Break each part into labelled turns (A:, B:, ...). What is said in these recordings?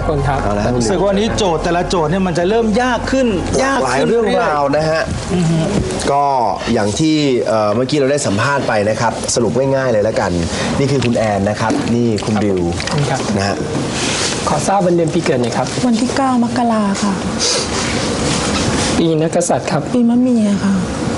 A: คนครับ
B: รู้สึกว่านี้โจทย์แต่ละโจทย์เนี่ยมันจะเริ่มยากขึ้น
C: หลายเรื่องราวนะฮะก็อย่างที่เมื่อกี้เราได้สัมภาษณ์ไปนะครับสรุปง่ายๆเลยแล้วกันนี่คือคุณแอนนะครับนี่คุณบิวนะฮะ
A: ขอทราบวันเดือนปีเกิดหน่อยครับ
D: วันที่9 มกราค่ะ
A: ปีนักกษัตริย์ครับ
D: ปีมะเมียค่ะ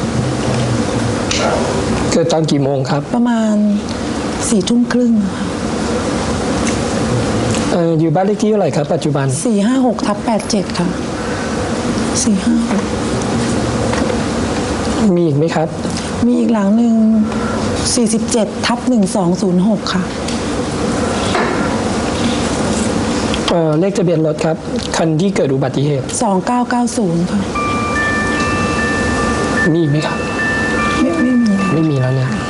A: เกิดตอนกี่โมงครับ
D: ประมาณ4 ทุ่มครึ่งค่ะ
A: อยู่บ้านเลขที่เท่าไหร่ครับปัจจุบัน
D: 456/87ค่ะ456
A: มีอีกไหมครับ
D: มีอีกหลังหนึ่ง47/1206ค่ะ
A: เลขทะเบียนรถครับคันที่เกิดอุบัติเหตุ
D: 2990ค่ะ
A: มีไหมครับไม่มีแล้วเนี่ย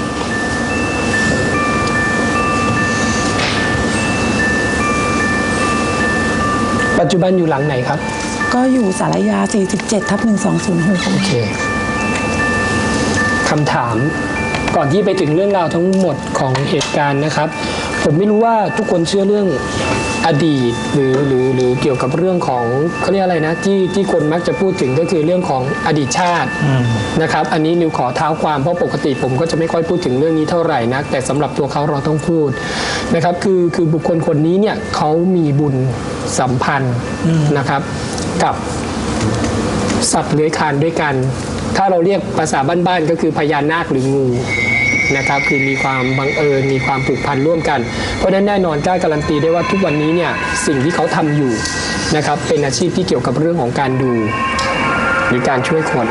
A: ปัจจุบันอยู่หลังไหนครับ
D: ก็อยู่สารยา47/1206
A: โอเคคำถามก่อนที่ไปถึงเรื่องราวทั้งหมดของเหตุการณ์นะครับผมไม่รู้ว่าทุกคนเชื่อเรื่องอดีตหรือเกี่ยวกับเรื่องของเขาเรียกอะไรนะที่คนมักจะพูดถึงก็คือเรื่องของอดีตชาตินะครับอันนี้นิวขอเท้าความเพราะปกติผมก็จะไม่ค่อยพูดถึงเรื่องนี้เท่าไหร่นักแต่สำหรับตัวเขาเราต้องพูดนะครับคือบุคคลคนนี้เนี่ยเขามีบุญสัมพันธ์นะครับกับสัตว์เลื้อยคลานด้วยกันถ้าเราเรียกภาษาบ้านๆก็คือพญานาคหรืองูนะครับคือมีความบังเอิญมีความผูกพันร่วมกันเพราะฉะนั้นแน่นอนกล้าการันตีได้ว่าทุกวันนี้เนี่ยสิ่งที่เขาทำอยู่นะครับเป็นอาชีพที่เกี่ยวกับเรื่องของการดูหรือการช่วยคน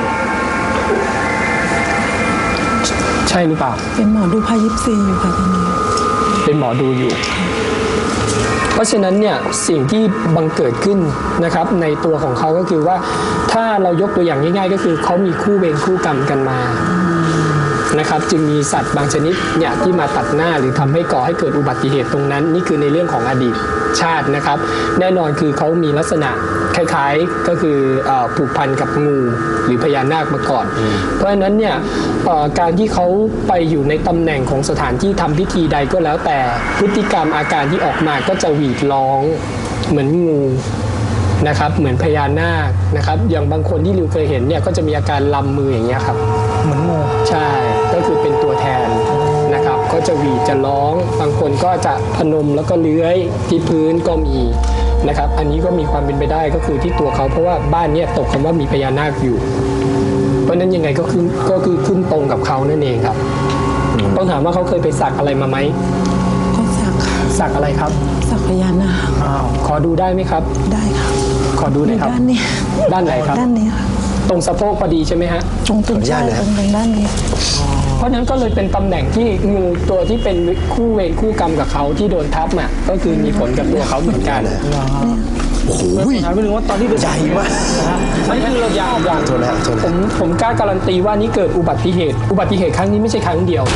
A: ใช่หรือเปล่า
D: เป็นหมอดูพายิปซีอยู่ค่ะตอนนี้
A: เป็นหมอดูอยู่เพราะฉะนั้นเนี่ยสิ่งที่บังเกิดขึ้นนะครับในตัวของเขาก็คือว่าถ้าเรายกตัวอย่างง่ายๆก็คือเขามีคู่เวรคู่กรรมกันมานะครับจึงมีสัตว์บางชนิดเนี่ยที่มาตัดหน้าหรือทำให้ก่อให้เกิดอุบัติเหตุตรงนั้นนี่คือในเรื่องของอดีตชาตินะครับแน่นอนคือเขามีลักษณะคล้ายๆก็คือผูกพันกับงูหรือพญานาคมาก่อนเพราะฉะนั้นเนี่ยการที่เขาไปอยู่ในตำแหน่งของสถานที่ทำพิธีใดก็แล้วแต่พฤติกรรมอาการที่ออกมาก็จะหวีดร้องเหมือนงูนะครับเหมือนพญานาคนะครับอย่างบางคนที่ริวเคยเห็นเนี่ยก็จะมีอาการลำมืออย่างเงี้ยครับ
B: เหมือนงู
A: ใช่ก็คือเป็นตัวแทนนะครับก็จะหวีดจะร้องบางคนก็จะพนมแล้วก็เลื้อยที่พื้นก็มีนะครับอันนี้ก็มีความเป็นไปได้ก็คือที่ตัวเขาเพราะว่าบ้านเนี่ยตกคำว่ามีพญานาคอยู่เพราะนั้นยังไงก็คือขึ้นตรงกับเขานั่นเองครับต้องถามว่าเขาเคยไปสักอะไรมาไหม
D: ก็
A: สักอะไรครับ
D: สักพญานาค
A: ขอดูได้ไหมครับ
D: ได้ครับ
A: ขอดูหน่อยครับ
D: ด้านนี้
A: ด้านไหนครับ
D: ด้านนี้ค่ะ
A: ตรงสะโพกพอดีใช่ไหมฮะ
D: ตรงใช่ตรงด้านนี้
A: เพราะนั้นก็เลยเป็นตำแหน่งที่งูตัวที่เป็นคู่เวรคู่กรรมกับเขาที่โดนทับอ่ะก็คือมีผลกับตัวเขาเหมือนกัน
C: โอ้โห
B: ถามไปถึงว่าตอนที่
C: ใหญ่มาก
A: ไม่คือเราอย่างผมกล้าการันตีว่านี่เกิดอุบัติเหตุครั้งนี้ไม่ใช่ครั้งเดียว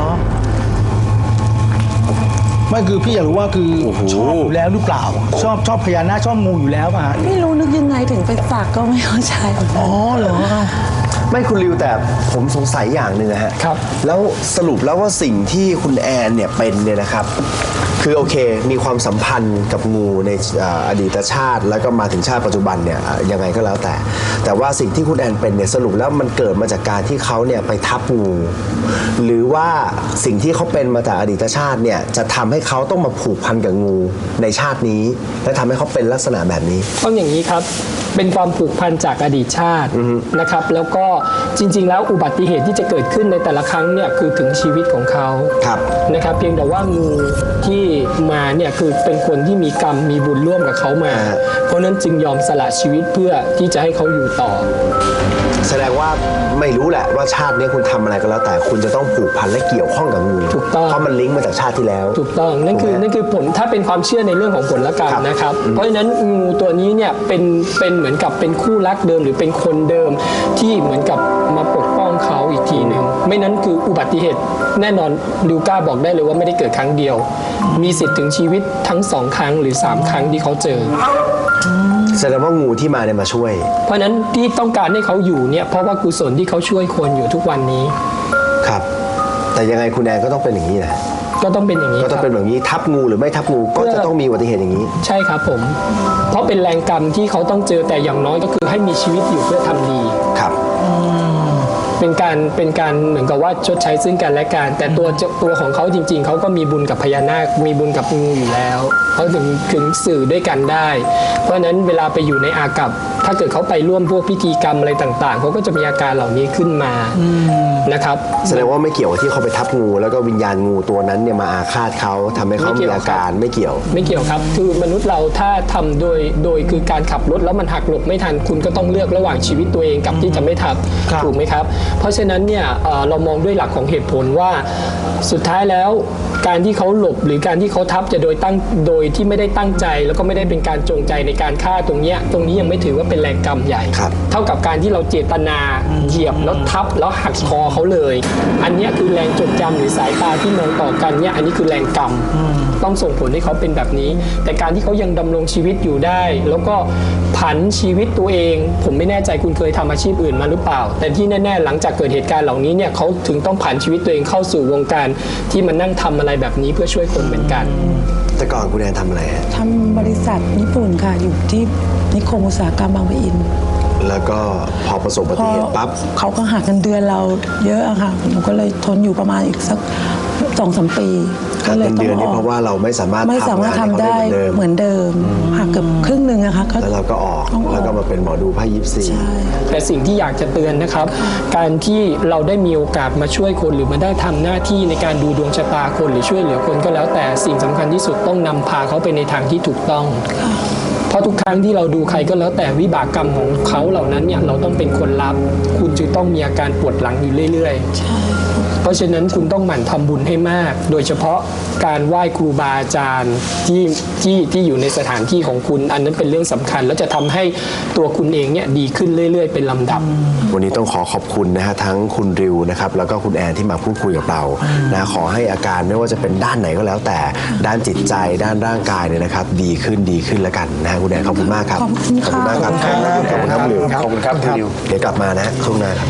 B: ไม่คือพี่อยากรู้ว่าคือชอบอยู่แล้วหรือเปล่าชอบพญานาคชอบงูอยู่แล้วป่ะ
D: ไม่รู้นึกยังไงถึงไปสักก็ไม่เข้าใจ
B: อ๋อเหรอ
C: ไม่คุณริวแต่ผมสงสัยอย่างหนึ่งนะฮะ
A: ครับ
C: แล้วสรุปแล้วว่าสิ่งที่คุณแอนเนี่ยเป็นเนี่ยนะครับคือโอเคมีความสัมพันธ์กับงูในอดีตชาติแล้วก็มาถึงชาติปัจจุบันเนี่ยยังไงก็แล้วแต่ว่าสิ่งที่คุณแอนเป็นเนี่ยสรุปแล้วมันเกิดมาจากการที่เขาเนี่ยไปทับงูหรือว่าสิ่งที่เขาเป็นมาจากอดีตชาติเนี่ยจะทำให้เขาต้องมาผูกพันกับงูในชาตินี้และทำให้เขาเป็นลักษณะแบบนี้
A: ต้องอย่างนี้ครับเป็นความผูกพันจากอดีตชาตินะครับแล้วก็จริงๆแล้วอุบัติเหตุที่จะเกิดขึ้นในแต่ละครั้งเนี่ยคือถึงชีวิตของเขานะครับเพียงแต่ว่างูที่มาเนี่ยคือเป็นคนที่มีกรรมมีบุญร่วมกับเขามาเพราะนั้นจึงยอมสละชีวิตเพื่อที่จะให้เขาอยู่ต่อ
C: แสดงว่าไม่รู้แหละว่าชาตินี้คุณทำอะไรก็แล้วแต่คุณจะต้องผูกพันและเกี่ยวข้องกับงู
A: ถูกต้อง
C: เพราะมันลิงก์มาจากชาติที่แล้ว
A: ถูกต้องนั่นคือผลถ้าเป็นความเชื่อในเรื่องของผลละกรรมนะครับเพราะฉะนั้นงูตัวนี้เนี่ยเป็นเหมือนกับเป็นคู่รักเดิมหรือเป็นคนเดิมที่เหมือนกับมาปกป้องเขาอีกทีหนึ่งไม่นั้นคืออุบัติเหตุแน่นอนดิวก้าบอกได้เลยว่าไม่ได้เกิดครั้งเดียวมีสิทธิ์ถึงชีวิตทั้ง2 ครั้งหรือ3 ครั้งที่เขาเจอ
C: แสดงว่างูที่มาเนี่ยมาช่วย
A: เพราะนั้นที่ต้องการให้เขาอยู่เนี่ยเพราะว่ากุศลที่เขาช่วยคนอยู่ทุกวันนี้
C: ครับแต่ยังไงคุณแอนก็ต้องเป็นอย่างนี้แหละ
A: ก็ต้องเป็นอย่างนี้
C: ก็ต้องเป็นแบบนี้ทับงูหรือไม่ทับงูก็จะต้องมีอุบัติเหตุอย่างนี้
A: ใช่ครับผมเพราะเป็นแรงกรรมที่เขาต้องเจอแต่อย่างน้อยก็คือให้มีชีวิตอยู่เพื่อทำดี
C: ครับ
A: เป็นการเหมือนกับว่าชดใช้ซึ่งกันและกันแต่ตัวของเขาจริง ๆเขาก็มีบุญกับพญานาคมีบุญกับงูอยู่แล้วเขาถึงสื่อด้วยกันได้ เพราะฉะนั้นเวลาไปอยู่ในอากัปถ้าเกิดเขาไปร่วมพวกพิธีกรรมอะไรต่างๆเขาก็จะมีอาการเหล่านี้ขึ้นมานะครับ
C: แสดงว่าไม่เกี่ยวกับที่เขาไปทับงูแล้วก็วิญญาณงูตัวนั้นเนี่ยมาอาฆาตเขาทำให้เขามีอาการไม่เกี่ยว
A: ไม่เกี่ยวครับคือมนุษย์เราถ้าทำโดยคือการขับรถแล้วมันหักหลบไม่ทันคุณก็ต้องเลือกระหว่างชีวิตตัวเองกับที่จะไม่ทับถูกไหมครับเพราะฉะนั้นเนี่ยเรามองด้วยหลักของเหตุผลว่าสุดท้ายแล้วการที่เขาหลบหรือการที่เขาทับจะโดยที่ไม่ได้ตั้งใจแล้วก็ไม่ได้เป็นการจงใจในการฆ่าตรงนี้ยังไม่ถือว่าเป็นแรงกรรมใหญ่ เท่ากับการที่เราเจตนาเหยียบแล้วทับแล้วหักคอเขาเลยอันนี้คือแรงจดจำหรือสายตาที่มองต่อกันเนี่ยอันนี้คือแรงกรรมต้องส่งผลให้เขาเป็นแบบนี้แต่การที่เขายังดำรงชีวิตอยู่ได้ แล้วก็ผันชีวิตตัวเองผมไม่แน่ใจคุณเคยทำอาชีพอื่นมาหรือเปล่าแต่ที่แน่ๆหลังจากเกิดเหตุการณ์เหล่านี้เนี่ยเขาถึงต้องผันชีวิตตัวเองเข้าสู่วงการที่มันนั่งทำอะไรแบบนี้เพื่อช่วยคนเหมือนกัน
C: แต่ก่อนคุณแอนทำอะไรฮะ
D: ทำบริษัทญี่ปุ่นค่ะอยู่ที่นิคมอุตสาหกรรมบางปะอิน
C: แล้วก็พอประสบอุบัติเหตุปั๊บ
D: เขาก็หักเงินเดือนเราเยอะอะค่ะผมก็เลยทนอยู่ประมาณอีกสัก 2-3 ปี
C: ก็เลยต้องออกเพราะว่าเราไม่สามารถ
D: ทำได้เหมือนเดิมหักเกือบครึ่งหนึ่งอะค่ะ
C: แล้วเราก็ออกแล้วก็มาเป็นหมอดูไพ่ยิปซี
A: แต่สิ่งที่อยากจะเตือนนะครับการที่เราได้มีโอกาสมาช่วยคนหรือมาได้ทำหน้าที่ในการดูดวงชะตาคนหรือช่วยเหลือคนก็แล้วแต่สิ่งสำคัญที่สุดต้องนำพาเขาไปในทางที่ถูกต้องเพราะทุกครั้งที่เราดูใครก็แล้วแต่วิบากกรรมของเขาเหล่านั้นเนี่ยเราต้องเป็นคนรับคุณจึงต้องมีอาการปวดหลังอยู่เรื่อยๆเพราะฉะนั้นคุณต้องหมั่นทำบุญให้มากโดยเฉพาะการไหว้ครูบาอาจารย์ที่อยู่ในสถานที่ของคุณอันนั้นเป็นเรื่องสำคัญแล้วจะทำให้ตัวคุณเองเนี่ยดีขึ้นเรื่อยๆเป็นลำดับ
C: วันนี้ต้องขอบคุณนะฮะทั้งคุณริวนะครับแล้วก็คุณแอนที่มาพูดคุยกับเรานะขอให้อาการไม่ว่าจะเป็นด้านไหนก็แล้วแต่ด้านจิตใจด้านร่างกายเนี่ยนะครับดีขึ้นแล้วกันนะคุณแอนขอบคุณมากครับ
D: ขอบคุณมากครับ
C: ขอบคุณครับริว
B: ขอบคุณครับริว
C: เดี๋ยวกลับมานะช่วงหน้าครับ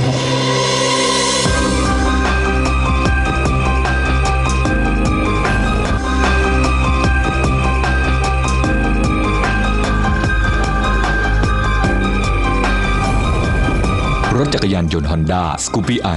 E: รถจักรยานยนต์ Honda Scoopy i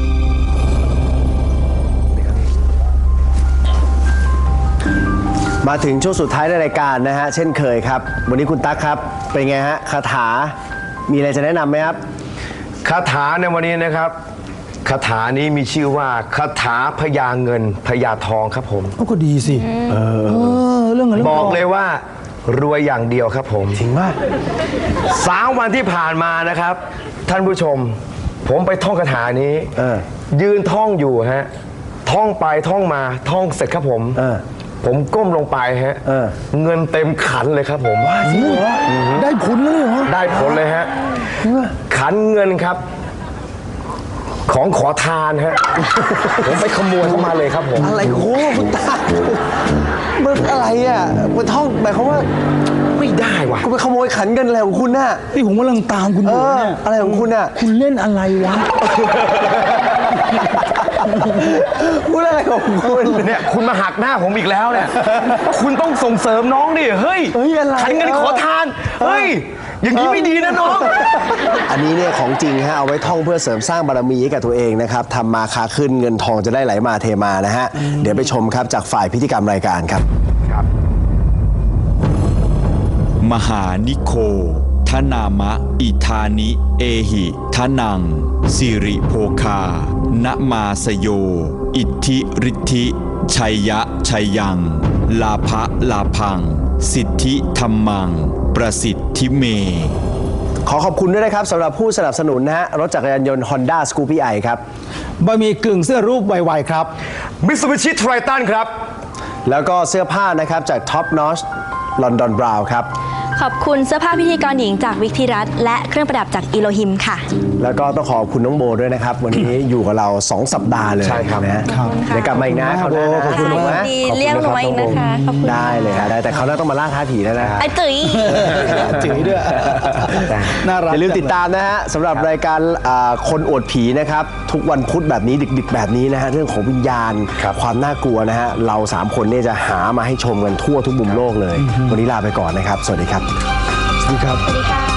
C: มาถึงช่วงสุดท้ายในรายการนะฮะเช่นเคยครับวันนี้คุณตั๊กครับเป็นไงฮะคาถามีอะไรจะแนะนำไหมครับ
F: คาถาในวันนี้นะครับคาถานี้มีชื่อว่าคาถาพญาเงินพญาทองครับผม
B: ก็ดีสิเรื่อง
F: บอกเลยว่ารวยอย่างเดียวครับผม
B: จริงมาก
F: 3 วันที่ผ่านมานะครับท่านผู้ชมผมไปท่องคาถานี้ยืนท่องอยู่ฮะท่องไปท่องมาท่องเสร็จครับผมก้มลงไปฮะเงินเต็มขันเลยครับผมว่า
B: จริงเหรอได้ผลเลยเหรอ
F: ได้ผลเลยฮะขันเงินครับของขอทานฮะผมไปขโมยเข้ามาเลยครับผม
C: อะไรโอ้คุณตามันอะไรอ่ะมันท่องหมายความว่า
F: ไม่ได้ว่ะ
C: คุณไปขโมยขันเงินอะไรของคุณน่ะ
B: นี่ผมกำลังตามคุณอยู่เนี่ย
C: อะไรของคุณน่ะ
B: คุณเล่นอะไรวะ
C: พูดอะไรของคุณ
F: เนี่ยคุณมาหักหน้าผมอีกแล้วเนี่ยคุณต้องส่งเสริมน้องดิเฮ้ยขันเงินขอทานเฮ้ยอย่างนี้ไม่ดีนะน้อง
C: อันนี้เนี่ยของจริงฮะเอาไว้ท่องเพื่อเสริมสร้างบารมีให้กับตัวเองนะครับทำมาค้าขึ้นเงินทองจะได้ไหลมาเทมานะฮะเดี๋ยวไปชมครับจากฝ่ายพิธีกรรมรายการครับ
E: มหานิโคทนามะอิธานิเอหิทนังสิริโภคานะมาสโยอิทธิฤทธิชัยยะชัยยังลาภะลาพังสิทธิธรรมังประสิทธิเม
C: ขอขอบคุณด้วยนะครับสำหรับผู้สนับสนุนนะฮะรถจักรยานยนต์ Honda Scoopy i ครับ
B: บะหมี่กึ่งเสื้อรูปไวๆครับ
F: Mitsubishi Triton ครับ
C: แล้วก็เสื้อผ้านะครับจาก Top Notch London Brown ครับ
G: ขอบคุณเสื้อผ้าพิธีกรหญิงจากวิกธิรัตน์และเครื่องประดับจากอีโลฮิมค่ะ
C: แล้วก็ต้องขอบคุณน้องโบด้วยนะครับ วันนี้ อยู่กับเรา 2 สัปดาห์เลย
F: ใช่ครับ
C: นะ
G: ขอบคุณค่ะ
C: เดี๋ยวกลับมาอีกนะคราวหน้านะ
B: ขอบคุณมาก
G: ดีเรียกหนูมาอีกนะคะขอบคุณ
C: ได้เลยครับได้แต่เขาวหน้าต้องมาล่าท้าผีแล้วนะ
G: ไอ้ตุ๋ย
B: จืดด้วย น่ารัก
C: อย่าลืมติดตามนะฮะสำหรับรายการคนอวดผีนะครับ ทุกวันพุธแบบนี้ดึกๆแบบนี้นะฮะเรื่องของวิญญาณความน่ากลัวนะฮะเรา 3 คนเนี่ยจะหามาให้ชมกันทั่วทุกมุมโลกเลย วันนี้ลาไปก่อนนะครับ สวัสดีครับ
B: สวัสดีครับ
G: สวัสดีค่ะ